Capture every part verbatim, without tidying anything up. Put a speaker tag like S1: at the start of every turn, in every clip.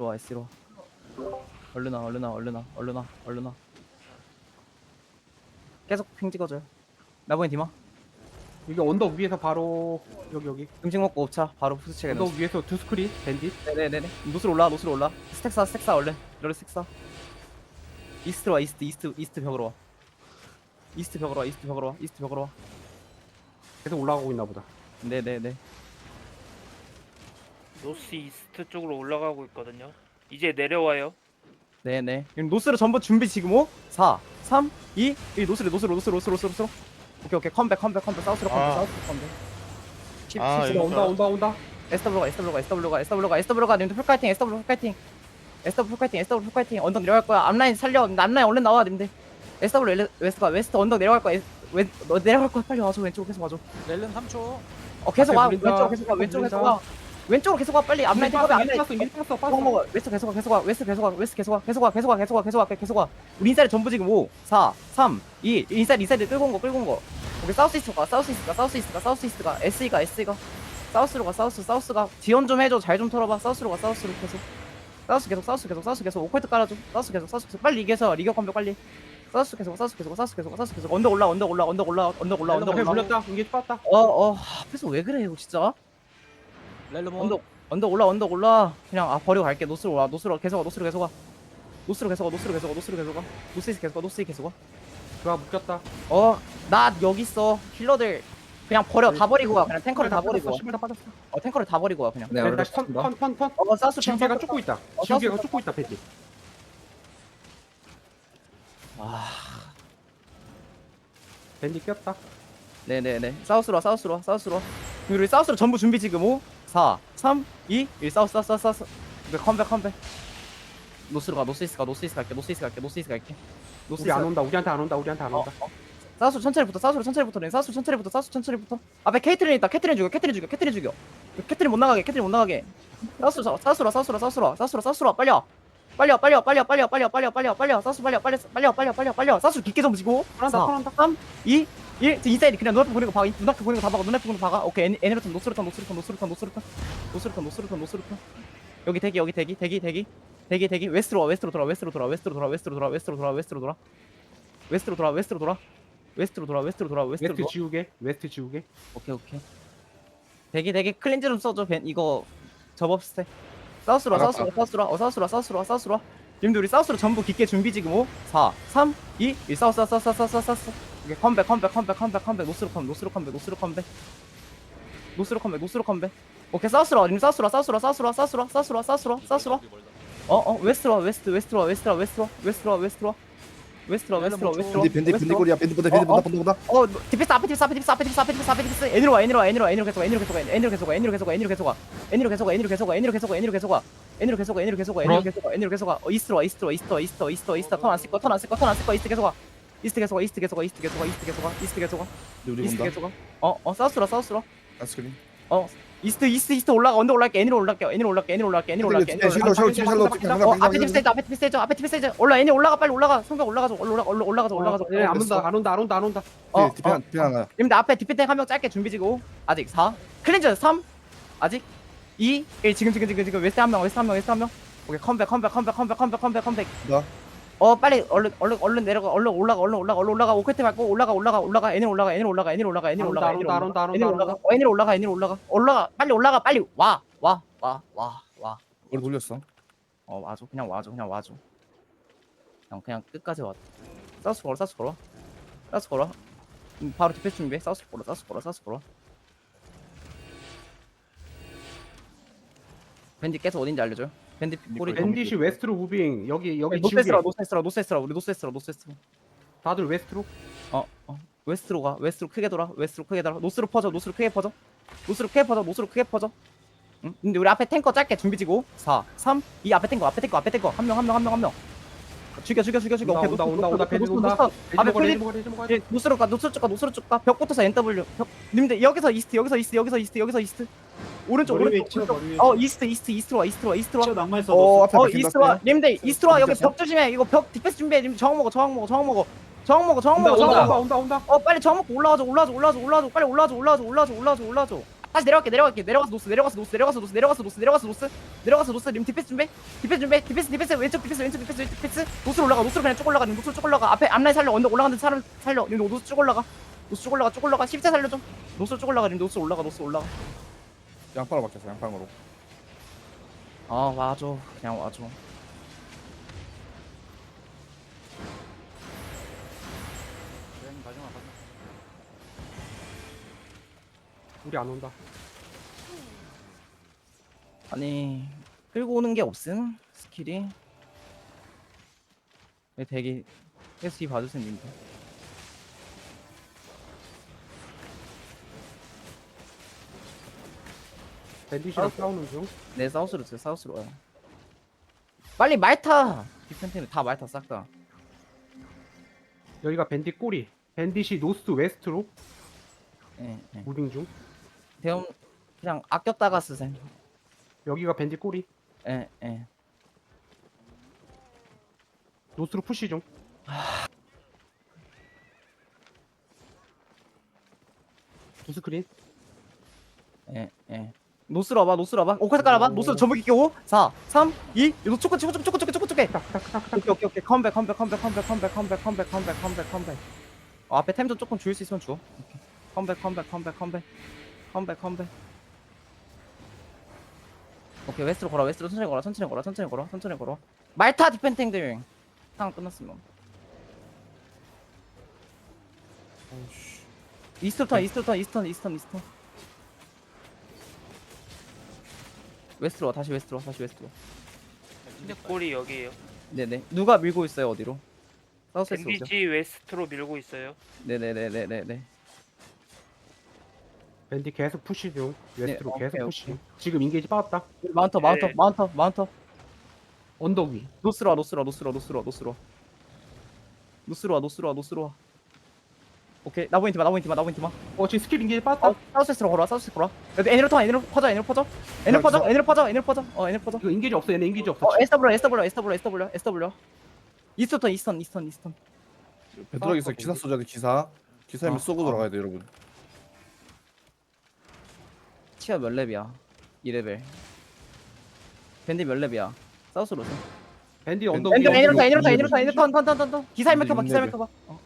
S1: 와 S로 와. 얼른 와 얼른 와 얼른 와 얼른 와 얼른 와. 계속 핑 찍어줘요. 나보니 디마.
S2: 이게 언덕 위에서 바로 여기 여기
S1: 음식 먹고 옵차 바로 푸스체게
S2: 언덕 위에서 두 스크린 밴딧.
S1: 네네네네. 노스로 올라 노스로 올라. 스택 사 스택 사 얼른. 이럴 스택 사. 이스트로 와 이스트 이스트 이스트 벽으로 와. 이스트 벽으로 와 이스트 벽으로 와 이스트 벽으로 와.
S2: 계속 올라가고 있나 보다.
S1: 네네네.
S3: 노스 이스트 쪽으로 올라가고 있거든요. 이제 내려와요.
S1: 네네. 그럼 노스로 전부 준비 지금 오, 사, 삼, 이, 일 노스로 노스로 노스로 노스로 노스로 노스로. 오케이 오케이 컴백 컴백 컴백 사우스로 컴백
S4: 아.
S1: 사우스로 컴백. 십,
S4: 아,
S1: 십,
S4: 이거
S2: 온다 온다 온다.
S1: 에스더블로가 에스더블로가 에스더블로가 에스더블로가 에스더블로가 님들 풀카이팅 에스더블로 풀카이팅 에스더블로 풀카이팅 에스더블로 풀카이팅 언덕 내려갈 거야. 앞라인 살려. 앞라인 얼른 나와 님들. 에스더블로 웨스트가 웨스트 언덕 내려갈 거야. 왼 너 내려갈 거야. 빨리 와줘. 왼쪽으로 계속 와줘.
S5: 렐른 삼 초.
S1: 어 계속 와.
S2: 앞에 물린다.
S1: 왼쪽으로 계속 와. 왼쪽으로 계속
S2: 물린다.
S1: 와. 왼쪽으로 계속 와. 빨리 앞라인
S2: 빠졌어
S1: 탱커
S2: 이미
S1: 앞라인
S2: 빠졌어 이미 빠졌어
S1: 어
S2: 빠졌어.
S1: 먹어. 웨스트 계속 와. 계속 와. 웨스트 계속 와. 웨스트 계속 와. 계속 와. 계속 와. 계속 와. 계속 와. 계속 와. 계속 와. 우리 인사이드 전부 지금 오, 사, 삼, 이 인사이드 인사이드 끌고 온 거 끌고 온 거. 오케이 사우스 이스트가 사우스 이스트가 사우스 이스트가 사우스 이스트가 에스이가 에스이가 사우스로 가 사우스 사우스가 지원 좀 해줘. 잘 좀 털어봐. 사우스로 가 사우스로 계속 사우스 계속 사우스 계속 사우스 계속 오컬트 깔아줘. 사우스 계속 사우스 계속 빨리 이겨서 리그 컴백 빨리. 사우스 계속 사우스 계속 사우스 계속 사우스 계속 언덕 올라 언덕 올라 언덕 올라 언덕 올라 언덕
S2: 앞에
S1: 올라.
S2: 물렸다. 이게 빠졌다.
S1: 어어 앞에서 왜 그래 이거 진짜.
S5: 렐름 온.
S1: 언덕 언덕 올라 언덕 올라. 그냥 아 버리고 갈게. 노스로 와 노스로 계속 와 노스로 계속 와 노스로 계속 와 노스로 계속 와 노스로 계속 와 노스이스 계속 와 노스이 계속 와.
S2: 그가 묶였다.
S1: 어 나 여기 있어. 힐러들 그냥 버려. 다 버리고 와. 그냥 탱커를 다 버리고 와.
S2: 신발 다 빠졌어.
S1: 어 탱커를 다 버리고 와 그냥.
S4: 네,
S2: 밴 다시 턴턴턴 턴.
S1: 어 사우스
S2: 지우개가
S1: 탱커.
S2: 쫓고 있다.
S1: 어,
S2: 지우개가
S1: 사우스
S2: 쫓고 있다 밴딧.
S1: 아
S2: 밴딧 꼈다.
S1: 네네네. 사우스로 와 사우스로 와 사우스로 와. 우리 사우스로 전부 준비 지금 오, 사, 삼, 이, 일 사우스 사우스 사우스 사우스. 네, 컴백 컴백. 노스로 가 노스이스 가 노스이스 갈게 노스이스 갈게 노스이스 갈게.
S2: 우리 안 온다. 우리한테 안 온다. 우리한테 안
S1: 어,
S2: 온다.
S1: 어. 사우스 천천히 붙어 사우스로 천천히 붙어 네 사우스 천천히 붙어 사우스 천천히 붙어. 앞에 케이트린 있다. 케이트린 죽여 케이트린 죽여 케이트린 죽여. 케이트린 못 나가게 케이트린 못 나가게. 사우스 사우스로 사우스로 사우스로 사우스로 사우스로 빨리 와 빨리 와 빨리 와 빨리 와 빨리 와 빨리 와 빨리 와 빨리 와 빨리 와 사우스 빨리 와 빨리 와 빨리 와 빨리 와 빨리 와 빨리 와 사우스 깊게 좀 지고.
S2: 턴한다 턴한다.
S1: 삼, 이, 일 인사이드 그냥 눈앞에 보이는 거 봐. 눈앞에 보이는 거 다 박아. 눈앞에 보이는 거 박아. 오케이 애니, 애니로턴 노스로턴 노스로턴 노스로턴 노스로턴 노스로턴 노스로턴 노스로턴. 여기 대기 여기 대기 대기 대기 대기 대기 웨스트로 와 웨스트로 돌아 웨스트로 돌아 웨스트로 돌아 웨스트로 돌아 웨스트로 돌아 웨스트로 돌아 웨스트로 돌아 웨스트로 돌아 웨스트로 돌아 웨스트로 돌아 웨스트로
S2: 웨스트
S1: 돌아.
S2: 지우개. 웨스트 지우개.
S1: 오케이 오케이. 대기 대기 클렌즈 좀 써줘. 벤 이거 접업스테. 사우스로 와 사우스로 와 사우스로 와 어, 사우스로 와 사우스로 와 사우스로 와. 님들 우리 사우스로 전부 깊게 준비 지금 오, 사, 삼, 이, 일 사우스 사우스 사우스 사우스 사우스. 오케이 컴백 컴백 컴백 컴백 컴백 노스로 컴 노스로 컴백 노스로 컴백 노스로 컴백 노스로 컴백. 오케이 사우스로 와 님 사우스로 와 사우스로 와 사우스로 와 사우스로 와 사우스로 와 사우스로 와 사우스로 와. 어어 웨스트로 와 웨스트 웨스트로 와 웨스트로 와 웨스트로 와 웨스트로 와 웨스트로 와 웨스트로 와 웨스트로 와 웨스트로 와
S4: 밴디 밴디 밴디 꼬리야 밴디 보다 밴디
S1: 어, 어.
S4: 보다 본다 본다.
S1: 어 디펜스 앞에 디펜스 앞에 디펜스 앞에 디펜스 앞에 디펜스 앞에 디펜스 애니로 와 애니로 와 애니로 와 애니로 계속 와 애니로 계속 와 애니로 계속 와 애니로 계속 와 애니로 계속 와 애니로 계속 와 애니로 계속 와 애니로 계속 와 애니로 계속 와 애니로 계속 와 애니로 계속 와 애니로 계속 와 애니로 계속 와 어 이스트로 와 이스트로 와 이스트 와 이스트 와 이스트 와 이스트 턴안 쓸 거 턴 안 쓸 거 턴 안 쓸 거 이스트 계속 와 이스트 계속 와 이스트 계속 와 이스트 계속 와 이스트 계속 와 이스트 계속 와
S4: 우리
S1: 이스트
S4: 본다.
S1: 계속 와 어어 사우스로 사우스로
S4: 아스크린.
S1: 어 이스트 이스트 이스트 올라가 언더 올라갈게 애니로 올라갈게 애니로 올라갈게 애니로 올라갈게 애니로 올라갈게 애니로
S4: 샬로 샬로 지금 샬로 지금
S1: 어 앞에 디펜스 해줘 앞에 디펜스 해줘 앞에 디펜스 해줘 올라 애니 올라가 빨리 올라가 성벽 올라가줘 올라 올라 올라가줘 올라가줘
S2: 예, 안 온다. 안 온다. 안 온다. 안 온다.
S1: 어,
S4: 디펜
S1: 어.
S4: 디펜 하나.
S1: 님들 앞에 디펜딩 한 명 짧게 준비 지고 아직 사 클린저 삼 아직 이 일 지금 지금 지금 지금 웨스트 한명 웨스트 한명 웨스트 한명 오케이 컴백 컴백 컴백 컴백 컴백 컴백 컴백
S4: 나.
S1: 어 빨리 얼른 얼른 얼른 내려가 얼른 올라가 얼른 올라가 얼른 올라가 오케트 밟고 올라가 올라가 올라가 애니 올라가 애니 올라가 애니 올라가 애니
S2: 안
S1: 올라가
S2: 온다, 안 온다, 안
S1: 애니
S2: 온다, 안
S1: 올라가
S2: 온다.
S1: 어 애니 올라가 애니 올라가 올라가 빨리 올라가 빨리 와 와 와 와 와
S4: 머리 돌렸어.
S1: 어 와줘 그냥 와줘 그냥 와줘 그냥 그냥 끝까지 와 사우스 걸어 사우스 걸어 사우스 걸어 음, 바로 디펜스 준비해 사우스 걸어 사우스 걸어 사우스 걸어 밴디 계속 어딘지 알려줘요 밴디 꼬리
S2: 밴딧이 웨스트로 무빙. 여기 여기 지우개.
S1: 노스에스라 노스에스라 노스에스라 우리 노스에스라 노스에스라
S2: 다들 웨스트로.
S1: 어, 어. 웨스트로 가. 웨스트로 크게 돌아. 웨스트로 크게 돌아. 노스로 퍼져. 노스로 크게 퍼져. 노스로 크게 퍼져. 노스로 크게 퍼져. 응? 근데 우리 앞에 탱커 짧게 준비 지고 사, 삼, 이 앞에 탱커 앞에 탱커 앞에 탱커 한 명 한 명 한 명 한 명 죽여 죽여 죽여 죽여.
S2: 온다,
S1: 오케이,
S2: 온다,
S1: 노스,
S2: 온다,
S1: 노스,
S2: 온다.
S1: 노스,
S2: 밴딧
S1: 노스,
S2: 온다.
S1: 노스. 앞에
S2: 밴딧
S1: 클린
S2: 먹어야 돼, 밴딧 먹어야
S1: 예,
S2: 돼.
S1: 노스로 가. 노스로 쭉 가. 노스로 쭉 가. 벽 붙어서 엔더블유. 벽. 님들 여기서 이스트 여기서 이스트 여기서 이스트 여기서 이스트. 오른쪽
S5: 머리 위에
S1: 오른쪽.
S5: 치워,
S1: 오른쪽.
S5: 머리 위에
S1: 어
S5: 치워.
S1: 이스트 이스트 이스트로 와 이스트로 와 이스트로 와.
S5: 치어 낭만 있어.
S4: 어,
S5: 어,
S4: 앞에
S1: 어
S4: 바뀐다.
S1: 이스트와 님들 이스트와 여기
S4: 진짜?
S1: 벽 조심해. 이거 벽 디펜스 준비해. 님 저항 먹어 저항 먹어 저항 먹어 저항 먹어 저항
S2: 온다
S1: 먹어 저항
S2: 온다
S1: 먹어.
S2: 온다 온다 온다.
S1: 어 빨리 저항 먹고 올라와줘 올라와줘 올라와줘 올라와줘 빨리 올라와줘 올라와줘 올라와줘 올라와줘 올라와줘 다시 내려갈게 내려갈게 내려가서 노스 내려가서 노스 내려가서 노스 내려가서 노스 내려가서 노스 내려가서 노스 님 디펜스 준비 디펜스 준비 디펜스 디펜스 왼쪽 디펜스 왼쪽 디펜스 왼쪽 디펜스 노스로 올라가 노스로 그냥 쭉 올라가 님 노스로 쭉 올라가 앞에 앞라인 살려 언덕 올라가는 사람 살려 님 노스 쭉 올라가 노스 쭉 올라가 쭉 올라가 십자 살려 좀 노스로 쭉 올라가 님 노스 올라가 노스 올라가
S4: 양파로 막혔어 양파로.
S1: 아 와줘 그냥 와줘
S5: 왼 마지막 마지막.
S2: 우리 안 온다.
S1: 아니 끌고 오는 게 없음 스킬이 왜 대기 에스이 봐주세요 님들
S2: 밴디시랑
S1: 아.
S2: 싸우는 중.
S1: 네 사우스로 주세요 사우스로 와요 빨리 말타 디펜트는 다 말타 싹다
S2: 여기가 밴디 꼬리. 밴디시 노스 웨스트로
S1: 예, 예.
S2: 무빙 중.
S1: 대형 그냥 아꼈다가 쓰세요
S2: 여기가 밴디 꼬리.
S1: 예, 예.
S2: 노스로 푸시 중. 노스 크린.
S1: 예, 예. 노스로 와봐, 노스로 와봐. 오카스 깔아봐. 노스로 전부 끼고 사, 삼, 이. 노 초코, 초코, 초코, 초코, 초코, 초코. 오케이, 오케이, 오케이. 컴백, 컴백, 컴백, 컴백, 컴백, 컴백, 컴백, 컴백, 컴백, 컴백. 어, 앞에 템 좀 조금 줄일 수 있으면 줘. 오케이. 컴백, 컴백, 컴백, 컴백, 컴백, 컴백. 오케이, 웨스트로 걸어, 웨스트로 천천히 걸어, 천천히 걸어, 천천히 걸어, 천천히 걸어. 말타 디펜팅들. 상황 끝났으면.
S4: 어이씨.
S1: 이스턴, 턴, 이스턴, 턴, 이스턴, 이스턴, 이스턴. 웨스트로 와, 다시 웨스트로 와, 다시 웨스트로 와.
S3: 근데 골이 여기에요.
S1: 네네. 누가 밀고 있어요, 어디로? 사우스에서 오죠.
S3: 엠비지 웨스트로 밀고 있어요.
S1: 네네네네네네.
S2: 밴디 계속 푸시 중. 웨스트로
S1: 네,
S2: 계속
S1: 오케이,
S2: 푸시.
S1: 오케이.
S2: 지금 인게이지 빠졌다.
S1: 마운터, 마운터,
S3: 네.
S1: 마운터, 마운터.
S2: 언덕 위.
S1: 노스로 와, 노스로 와, 노스로 와, 노스로 와, 노스로 와. 노스로 와, 노스로 와, 노스로 와. 오케이, 나보인 팀아, 나보인 팀아, 나보인 팀아.
S2: 어 지금 스킬 인게이지 빠졌다.
S1: 어, 사우스에스로 걸어와, 사우스에스 걸어와. 여기 애니로 터, 애니로 퍼져, 애니로 퍼져. 애니로 퍼져, 애니로 퍼져, 애니로 퍼져. 어, 애니로 퍼져.
S2: 이거 인게이지 없어. 얘네 인게이지 없어.
S1: 어, 에스더블러, 에스더블러, 에스더블러, 에스더블러, 에스더블러. 이스턴, 이스턴, 이스턴, 이스턴.
S4: 베드락에서 기사 쏘자 돼 기사. 기사면
S1: 아,
S4: 쏘고
S1: 아.
S4: 들어가야 돼 여러분.
S1: 치아 몇 렙이야? 이 레벨. 밴디 몇 렙이야? 사우스로 오세요.
S2: 밴디 언덕 위.
S1: 애니로 애니로 터, 애니로 터,
S4: 이
S1: 애니로 터, 애니로 터, 턴, 턴, 턴, 턴. 기사 일 켜봐, 기사 일 켜봐. 어.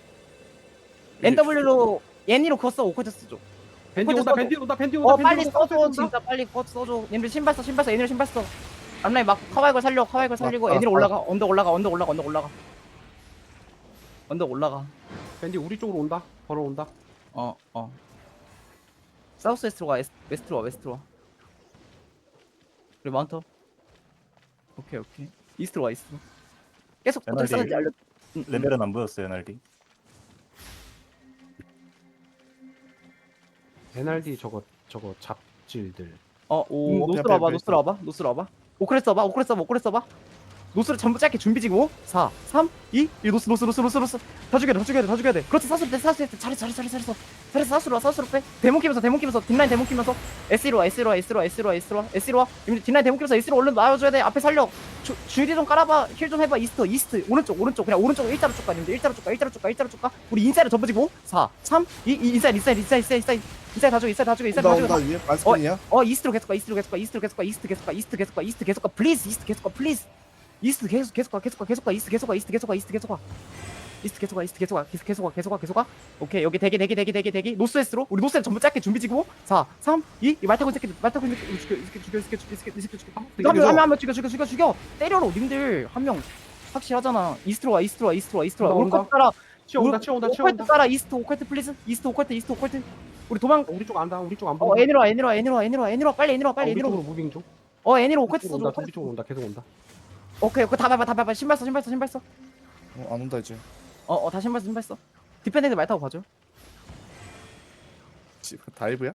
S1: 엔더블유로 애니로 그거 써, 오코드 쓰죠.
S2: 밴디
S1: 코드
S2: 온다.
S1: 써줘.
S2: 밴디 온다. 밴디 온다.
S1: 어
S2: 밴디
S1: 빨리
S2: 온다,
S1: 써줘
S2: 온다.
S1: 진짜 빨리 그거 써줘 님들 신발 써 신발 써 애니로 신발 써 앞라인 막 카와이걸 살려 카와이걸 살리고
S4: 아, 아,
S1: 애니로
S4: 아.
S1: 올라가 언덕 올라가 언덕 올라가 언덕 올라가 언덕 올라가
S2: 밴디 우리 쪽으로 온다. 걸어온다.
S1: 어어 사우스 웨스트로 가 에스- 웨스트로 와 웨스트로 와 그리고 마운터 오케이 오케이 이스트로 와 이스트로 계속 어떻게
S6: 에너지.
S1: 싸는지 알려 응, 응.
S6: 레벨은 안 보였어요, 에너지.
S2: 엔알디 저거 저거 잡질들.
S1: 어
S4: 오,
S1: 음,
S4: 오케이,
S1: 노스로 와봐
S4: 오케이,
S1: 노스로 와봐 노스로 와봐 오크레스 써봐 오크레스 써봐 오크레스 써봐 노스를 전부 짧게 준비 지금 오, 사, 삼, 이, 일 노스 노스 노스 노스 노스 다 죽여야 돼다 죽여야 돼다 죽여야 돼 그렇지 사스로 돼 사스로 돼 잘했어 잘했어 잘했어 잘했어 사스로 와 사스로 빼 데몬 키면서 데몬 키면서 뒷라인 데몬 키면서 에스로 와 에스로 와 에스로 와 에스로 와 에스로 와 에스로 와 이미 뒷라인 데몬 키면서 에스로 얼른 나와줘야 돼 앞에 살려 주, 주디 좀 깔아봐 힐 좀 해봐 이스트 이스트 오른쪽 오른쪽 그냥 오른쪽 일자로 쭉 가 님들 일자로 쭉가 일자로 쭉가 일자로 쭉가 우리 인사이드 전부 지고 사, 삼, 이, 이 인사이드 인사이드 인사이드 인사이드 인사이드 다 죽여 인사이드 다 죽여 인사이드
S4: 온다
S1: 다
S4: 온다
S1: 죽여
S4: 위에 말스킨이야.
S1: 어 이스트로 계속 가 이스트로 계속 가 이스트로 계속 가 이스트 계속 가 이스트 계속 가 이스트 계속 가 플리즈 이스트 계속 가 플리즈 이스트 계속 계속 가 계속 가 계속 가 이스트 계속 가 이스트 계속 가 이스트 계속 가 이스트 계속 가 이스트 계속 가 계속 계속 가 계속 가 계속 가 오케이 여기 대기 대기 대기 대기 대기 노스웨스트로 우리 노스웨스트 전부 짧게 준비 지고 사, 삼, 이 이 말타고 새끼 말타고 새끼 죽여 이 새끼 죽여 이 새끼 죽여 이 새끼 죽여 이 새끼 죽여 한명한명 죽여 죽여 죽여 죽여 때려로 님들 한 명 확실하잖아 이스트로 와 이스트로 와 이스트로 와 이스트로 와
S2: 온다,
S1: 오컬트 따라
S2: 치어온다. 치어온다.
S1: 오컬트
S2: 치어온다.
S1: 따라 이스트 오컬트 플리즈 이스트 오컬트 이스트 오컬트 우리 도망
S2: 우리 쪽 안다. 우리 쪽 안
S1: 어
S2: 보인다.
S1: 애니로 와 애니로 와 애니로 와 애니로 와 애니로 와 빨리 애니로 와 빨리
S2: 우리
S1: 애니로
S2: 쪽으로 무빙 중.
S1: 어 애니로
S2: 우리
S1: 오컬트
S2: 쪽으로
S1: 써줘
S2: 온다. 우리 쪽으로 온다. 계속 온다.
S1: 오케이 그거 다 밟아 다 밟아 신발 써 신발 써 신발 써
S4: 어, 안 온다 이제.
S1: 어어 다 신발 써 신발 써 디펜딩들 말 타고 가죠
S4: 지- 다이브야?